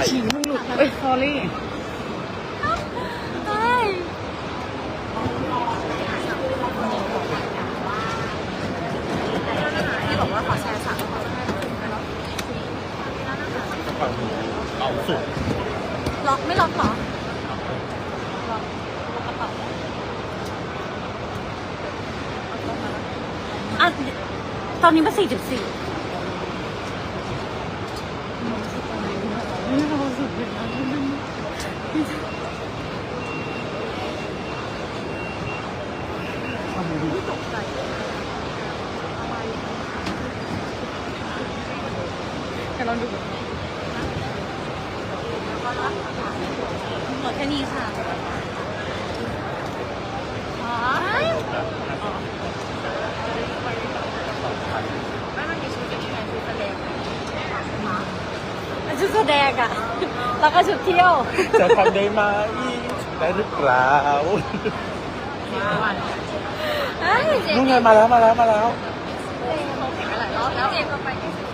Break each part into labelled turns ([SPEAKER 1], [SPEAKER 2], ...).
[SPEAKER 1] ฉี่มึงหลุดเอ้ย sorry
[SPEAKER 2] ที่บอกว่าขอแชร์สั่ง
[SPEAKER 3] เอาสุด
[SPEAKER 2] ล็อกไม่ล็อกหรออ่ะตอนนี้มัน4.4
[SPEAKER 1] แค่ลองดู
[SPEAKER 2] หมดแค่นี้ค่ะไม่มันมีชุดเป็นยังไงชุดแสดงชุดแสดงอะแล้วก็ชุดเที่ยว
[SPEAKER 3] จะทำได้ไหมได้หรือเปล่านู่นไงมาแล้ว
[SPEAKER 2] เขาแข่งกันหลายรอบแล้วเจมก็ไป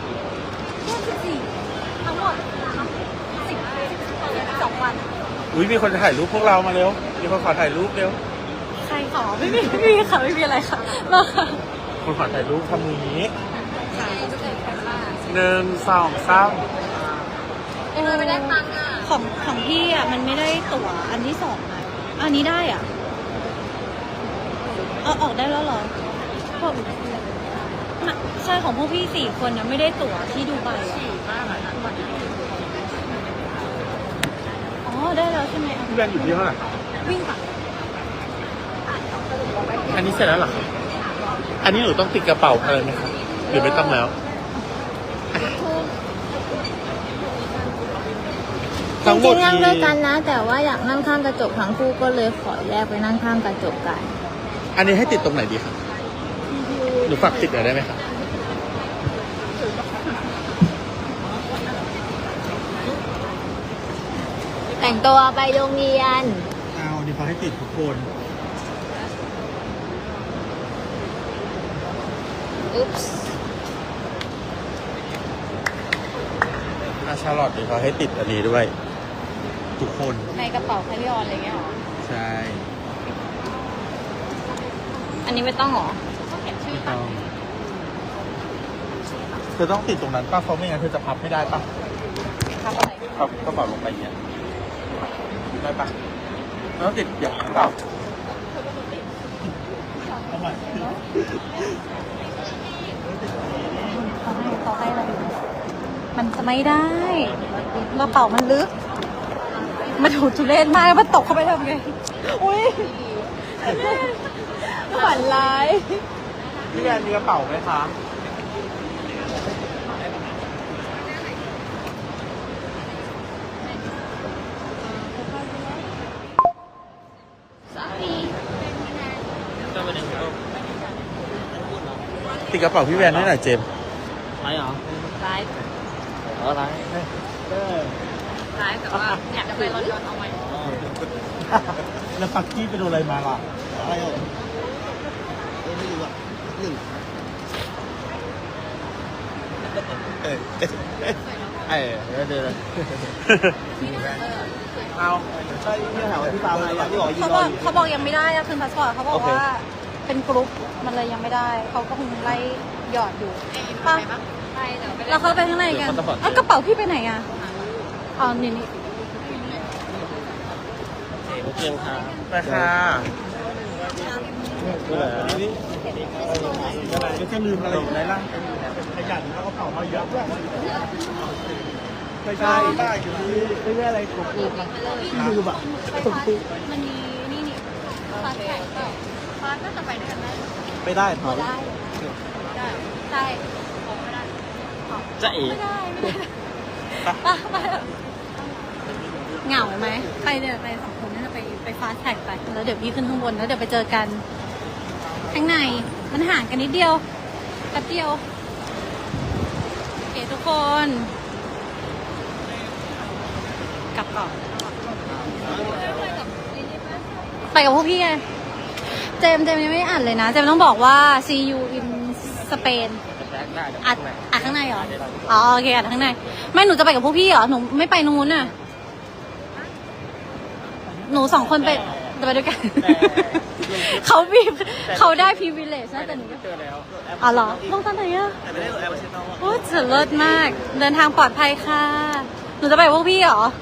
[SPEAKER 2] 14ทั้งหมด12 วัน
[SPEAKER 3] อุ้ยมีคนถ่ายรูปพวกเรามาเร็วมีคนขอถ่ายรูปเร็ว
[SPEAKER 2] ใครขอไม่มีค่ะไม่มีอะไรค่ะมาค่ะ
[SPEAKER 3] คนขอถ่ายรูปทำมือนี้
[SPEAKER 2] ใช่ทุกคนแข่งมา
[SPEAKER 3] 1 2 3
[SPEAKER 2] ไม่ได้ตังค์อ่ะของพี่อ่ะมันไม่ได้ตั๋วอันที่2อ่ะอันนี้ได้อ่ะเอาออกได้แล้วเหรอใช่ของพวกพี่4 คนนะไม่ได้ตั๋วที่ดูไบอ๋อได้แล้วใช่ไหม
[SPEAKER 3] พี่แบนอยู่ที่เท่าไหร่
[SPEAKER 2] วิ่งค่ะ
[SPEAKER 3] อันนี้เสร็จแล้วเหรอครับอันนี้หนูต้องติดกระเป๋าอะไรไหมครับหรือไม่ต้องแล้ว
[SPEAKER 4] จริงๆนั่งด้วยกันนะ แต่ว่าอยากนั่งข้างกระจกทั้งคู่ก็เลยขอแยกไปนั่งข้างกระจกกัน
[SPEAKER 3] อันนี้ให้ติดตรงไหนดีครับหนูฝากติดหน่อยได้ไหมครับ
[SPEAKER 4] แต่งตัวไปโรงเรียน
[SPEAKER 3] เอาดีเขาให้ติดทุกคน
[SPEAKER 4] อุ๊ปส์
[SPEAKER 3] ชาลอตดีเขาให้ติดอันนี้ด้วย ทุกคน
[SPEAKER 2] ในกระเป๋าแคริออนอะไรเงี้ยหรอ
[SPEAKER 3] ใช่
[SPEAKER 2] อันนี้ไม่ต้องหรอเขียนชื่อ
[SPEAKER 3] ไม่ต้องเธอต้องติดตรงนั้นป้าเพราะไม่งั้นเธอจะพับไม่ได้ป้า
[SPEAKER 2] ครับอะไร
[SPEAKER 3] พับกระเป๋าลงไปอย่างเงี้ยได้ป้าต้องติดอย่างนี้เปล่าเอาใหม่
[SPEAKER 2] เขาให้เราดูมันจะไม่ได้กระเป๋ามันลึกมันถูทุเรศมากมันตกเข้าไปทำไงอุ้ยฝันร้าย
[SPEAKER 3] พี่แอนมีกระเป๋าไหมคะติดกระเป๋าพี่แวนให้หน่อยเจมส์
[SPEAKER 1] ไรเหรอ
[SPEAKER 2] ไลฟ์
[SPEAKER 1] อะไร
[SPEAKER 2] ไลฟ์แต่ว่าอยากจะไปลอนดอนเอาไหม
[SPEAKER 3] แล้วปักกี้ไปโดนอะไรมาล่ะอะไรอ่ะ
[SPEAKER 1] ไม่รู้อ่ะหนึ่ง เดี๋ยว
[SPEAKER 3] เอา
[SPEAKER 1] ใช่ที่ถามว่าที่ฟาร์มอะไรที่บอกยืน
[SPEAKER 2] เขา
[SPEAKER 1] ร
[SPEAKER 2] บ
[SPEAKER 1] อ
[SPEAKER 2] อก
[SPEAKER 1] อยู่
[SPEAKER 2] เขาบอกยังไม่ได้อะคืนพาสปอร์ตเขาบอกว่าเป็นกรุ๊ปมันเลยยังไม่ได้เขาก็คงไล่หยอดอยู่ป่ะเราเข้าไปข้างในกันอ่ะกระเป๋าพี่ไปไหนอ่ะอ๋อนี่
[SPEAKER 1] โอเคค่ะ
[SPEAKER 3] ไปค่ะ
[SPEAKER 1] นี่
[SPEAKER 3] ก็จะลืมอะไรอยู่ในร่างขยันแล้วก็เป่ามาเยอะด้วยไม่ใช่ได้อยู่ที่ไม่ได้อะไรกบกูมาลืมอ่ะ
[SPEAKER 2] มันมีนี่ฟาสแท็กเปล่าฟาสน่าจะไปด้วยกันได้
[SPEAKER 1] ไม่ได้ถอด
[SPEAKER 2] ได้ใช่ไม่ได้
[SPEAKER 1] จะเอ๋
[SPEAKER 2] ไม่ได้เหงาไหมไปเนี่ยไป2 คนน่าจะไปฟาสแท็กไปแล้วเดี๋ยวพี่ขึ้นข้างบนแล้วเดี๋ยวไปเจอกันข้างในมันห่างกันนิดเดียวแป๊บเดียวโอเคทุกคนกลับก่อนไปกับพวกพี่ไงเจมยังไม่อ่านเลยนะเจมต้องบอกว่า see you in Spain
[SPEAKER 1] ได้เดี๋ยว
[SPEAKER 2] อัด
[SPEAKER 1] ข้างใน
[SPEAKER 2] อัดข้างในเหรอ อ๋อโอเคอัดข้างใน ไม่หนูจะไปกับพวกพี่เหรอ หนูไม่ไปนู้นน่ะ หนูสองคนไปจะไปด้วยกัน เขาได้พรีวิเลจนะแต่หนู
[SPEAKER 1] เจอแล้ว
[SPEAKER 2] อ๋อเหรอลงตอนไหนอะ
[SPEAKER 1] แต่ไม่ได้โหลดแอปเช็ดน้อง
[SPEAKER 2] โอ้จะเลิศมาก เดินทางปลอดภัยค่ะ หนูจะไปกับพวกพี่เหรอ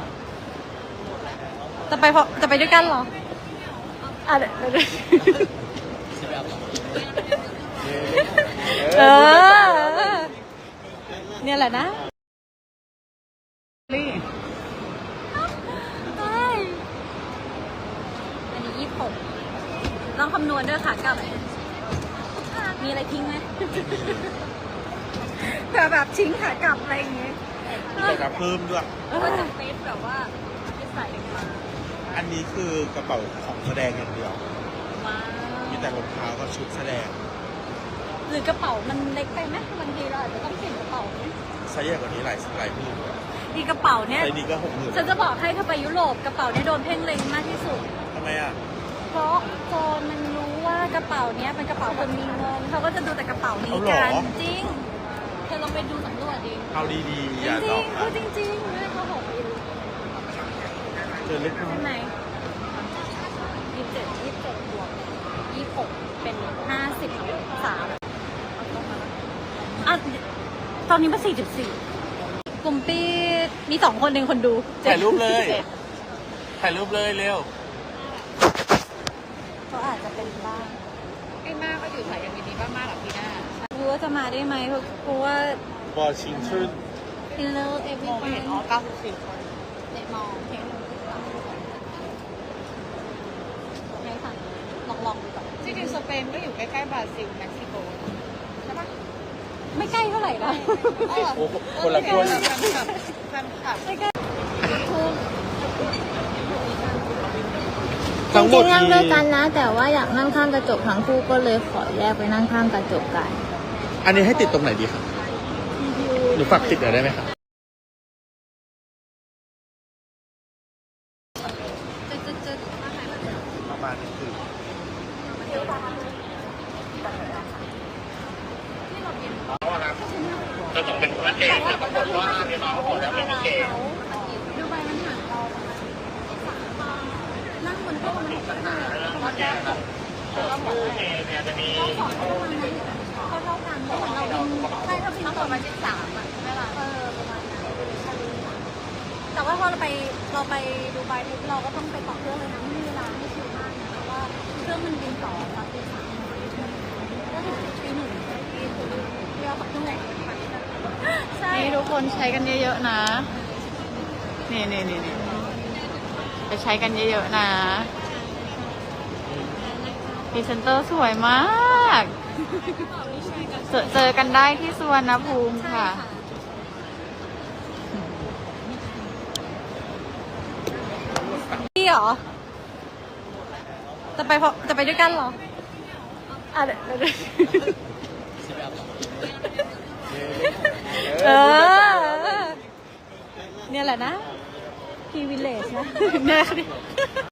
[SPEAKER 2] จะไปด้วยกันเหรออ่ะเดี๋ยวเออ เนี่ยแหละนะใช่อันนี้26ต้องคำนวณด้วยค่ะกลับ มีอะไรทิ้งไหม เผื่อแบบทิ้งขากลับอะไรอย่างเงี้ย
[SPEAKER 3] แต่จะเพิ่มด้วย
[SPEAKER 2] ก็จะเฟซแบบว่าไม่ใส่มา
[SPEAKER 3] อันนี้คือกระเป๋าของแสดงอย่างเดียว
[SPEAKER 2] ว้าว
[SPEAKER 3] มีแต่รองเท้ากับชุดแสดง
[SPEAKER 2] หรือกระเป๋ามันเล็กไปไหมบางทีเราอาจจะต้องเปลี่ยนกระเป๋า
[SPEAKER 3] ไซส์ใหญ่กว่านี้หลายหมื่น
[SPEAKER 2] อีกกระเป๋าเนี่ย
[SPEAKER 3] ไซส์นี้ก็60,000
[SPEAKER 2] ฉันจะบอกให้ถ้าไปยุโรปกระเป๋าเนี่ยโดนเพ่งเล็งมากที่สุด
[SPEAKER 3] ทำไมอ่ะ
[SPEAKER 2] เพราะโจรมันรู้ว่ากระเป๋าเนี้ยเป็นกระเป๋าคนมีเงินเขาก็จะดูแต่กระเป๋านี้กันจริงเธอลองไปดูสำรวจดิ
[SPEAKER 3] เอาดี
[SPEAKER 2] จ
[SPEAKER 3] ๆ อย่าหล
[SPEAKER 2] ริ
[SPEAKER 3] อง ก
[SPEAKER 2] ๆ
[SPEAKER 3] นะ
[SPEAKER 2] เขาจริงๆไม่เขาบอกไปดู
[SPEAKER 3] เจอเล็กน้อย
[SPEAKER 2] ใช่ไหม27บวก26เป็น53อ่ะตอนนี้มา44กลุ่มปีมี2คนเองคนดู
[SPEAKER 3] ถ่ายรูปเลย ถ่ายรูปเลยเร็ว
[SPEAKER 2] ก็อาจจะเป็นบ้าง
[SPEAKER 5] ไอ้มากก็อยู่สายการบินนี้บ้างมากหรอพี่หน้า
[SPEAKER 2] รู้ว่าจะมาได้ไหมเพราะว่า
[SPEAKER 3] บอชิงชุน
[SPEAKER 2] Hello
[SPEAKER 5] มองไม่เห็น
[SPEAKER 2] everyone
[SPEAKER 5] อ๋อ94 คน
[SPEAKER 2] เด็กมองเห็นให้สั่งลองดูก่อน
[SPEAKER 5] จริงๆสเปนก็อยู่ใกล้ๆบราซิลเม็กซิโกใช่ปะ
[SPEAKER 2] ไม่ใกล้เท่าไหร่นะ
[SPEAKER 3] โอ้คนละคน
[SPEAKER 5] แฟนคลับ
[SPEAKER 2] ไม่ใกล้
[SPEAKER 4] จริงๆนั่งด้วยกันนะ แต่ว่าอยากนั่งข้างกระจกทั้งคู่ก็เลยขอแยกไปนั่งข้างกระจกกัน
[SPEAKER 3] อันนี้ให้ติดตรงไหนดีครับหรือฝากติดหน่อยได้ไหมครับ
[SPEAKER 2] จะ
[SPEAKER 3] ประมาณนี้คือ
[SPEAKER 2] จะต้องเป็นประเทศแต่ปรากฏว่าเรียนมาหมดแล้วไม่มีเกณฑ์ดูใบมันห่างเรานั่งบนโต๊ะมันก็ห่างตอนแรกต้องบอกว่าต้องสอนประมาณนั้นเท่ากันเหมือนเราบินใช่ถ้าบินต่อมา13อ่ะใช่ไหมล่ะประมาณนั้นแต่ว่าพอเราไปดูใบทุกเราก็ต้องไปต่อเครื่องเลยนะไม่มีเวลาให้ชิลมากนะเพราะว่าเครื่องมันบินต่อตอนตี 3ก็ถึงตี 1ที่เราขับเครื่องไหนใช่
[SPEAKER 5] นี่ทุกคนใช้กันเยอะๆนะ นี่ไปใช้กันเยอะๆนะพรีเซนเตอร์สวยมาก เจอกันได้ที่สุวรรณภูมิค่ะ
[SPEAKER 2] พี่เหรอ จะไปด้วยกันเหรออ่ะเดี๋ยวเออ เนี่ยแหละนะพรีวิเลจนะเนี่ย